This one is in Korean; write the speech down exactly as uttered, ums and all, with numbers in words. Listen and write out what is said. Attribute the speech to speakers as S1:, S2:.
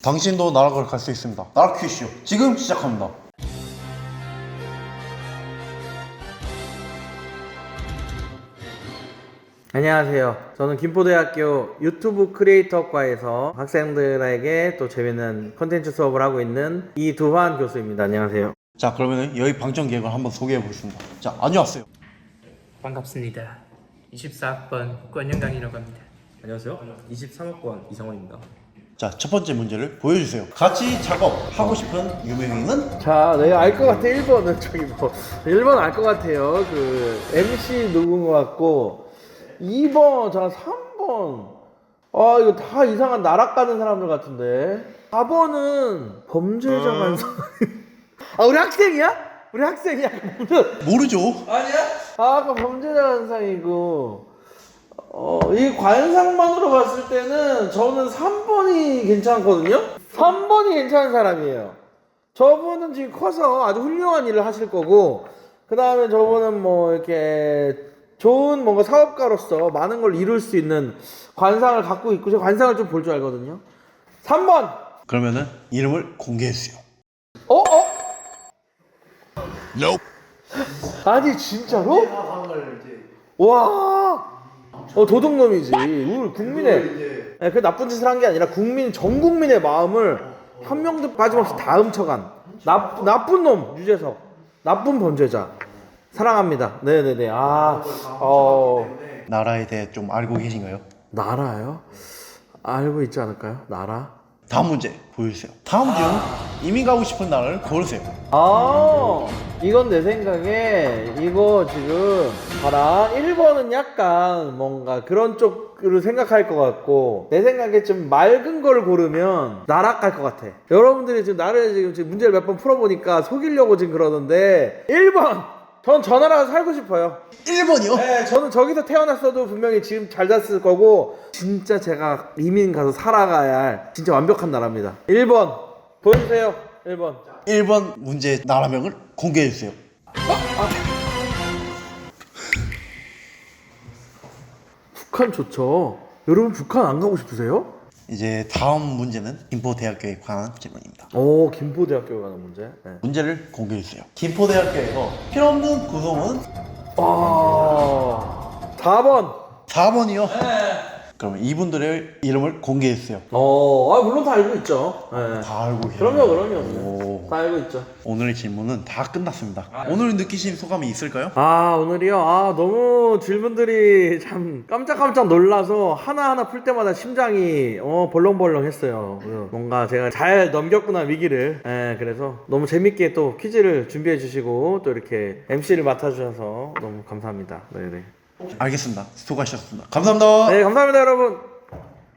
S1: 당신도 나락을 갈 수 있습니다. 나락 퀴즈 지금 시작합니다.
S2: 안녕하세요. 저는 김포대학교 유튜브 크리에이터과에서 학생들에게 또 재밌는 컨텐츠 수업을 하고 있는 이두환 교수입니다. 안녕하세요.
S1: 자, 그러면 여기 방청 계획을 한번 소개해 보겠습니다. 자, 안녕하세요.
S3: 반갑습니다. 이십사 학번 권영강이라고 합니다.
S4: 안녕하세요. 이십삼 학번 이상원입니다.
S1: 자, 첫 번째 문제를 보여주세요. 같이 작업하고 싶은 유명인은?
S2: 자, 내가 알 것 같아. 일 번은 저기 뭐 일 번 알 것 같아요. 그 엠씨 누군 것 같고 이 번, 자 삼 번 아 이거 다 이상한 나락 가는 사람들 같은데 사 번은 범죄자 간사 아 우리 학생이야? 우리 학생이야?
S1: 모르죠.
S2: 아니야? 아 아까 범죄자 관상이고 어, 이 관상만으로 봤을 때는 저는 삼 번이 괜찮거든요? 삼 번이 괜찮은 사람이에요. 저분은 지금 커서 아주 훌륭한 일을 하실 거고 그 다음에 저분은 뭐 이렇게 좋은 뭔가 사업가로서 많은 걸 이룰 수 있는 관상을 갖고 있고 제가 관상을 좀 볼 줄 알거든요. 삼 번!
S1: 그러면은 이름을 공개해 주세요.
S2: 어? 어? 아니 진짜로? 와, 어 도둑놈이지. 우리 국민의, 네, 그 나쁜 짓을 한 게 아니라 국민 전 국민의 마음을 한 명도 빠짐없이 다 훔쳐간 나 나쁜 놈 유재석, 나쁜 범죄자. 사랑합니다. 네네네. 아, 어
S1: 나라에 대해 좀 알고 계신가요?
S2: 나라요? 알고 있지 않을까요? 나라?
S1: 다음 문제 보여주세요. 다음 중 이민 가고 싶은 나라를 고르세요.
S2: 아, 이건 내 생각에 이거 지금 봐라. 일 번은 약간 뭔가 그런 쪽으로 생각할 것 같고 내 생각에 좀 맑은 걸 고르면 나락갈 것 같아. 여러분들이 지금 나를 지금, 지금 문제를 몇 번 풀어보니까 속이려고 지금 그러는데 일 번! 전 저 나라가 살고 싶어요.
S1: 일 번이요?
S2: 네, 저는 저기서 태어났어도 분명히 지금 잘 잤을 거고 진짜 제가 이민 가서 살아가야 할 진짜 완벽한 나라입니다. 일 번 보여주세요. 일 번.
S1: 일 번 문제 나라명을 공개해 주세요.
S2: 북한 좋죠. 여러분 북한 안 가고 싶으세요?
S1: 이제 다음 문제는 김포대학교에 관한 질문입니다.
S2: 오, 김포대학교 가는 문제. 네.
S1: 문제를 공개해 주세요. 김포대학교에서 필요없는 구성은?
S2: 아, 사 번.
S1: 사 번이요? 그러면 이분들의 이름을 공개해 주세요.
S2: 어, 아 물론 다 알고 있죠. 네.
S1: 다 알고 계세요.
S2: 그럼요, 그럼요.
S1: 오.
S2: 다 알고 있죠.
S1: 오늘의 질문은 다 끝났습니다. 오늘 느끼신 소감이 있을까요?
S2: 아 오늘이요? 아 너무 질문들이 참 깜짝깜짝 놀라서 하나하나 풀 때마다 심장이 어 벌렁벌렁 했어요. 뭔가 제가 잘 넘겼구나 위기를. 예, 그래서 너무 재밌게 또 퀴즈를 준비해 주시고 또 이렇게 엠씨를 맡아주셔서 너무 감사합니다. 네네.
S1: 알겠습니다. 수고하셨습니다. 감사합니다.
S2: 네 감사합니다 여러분.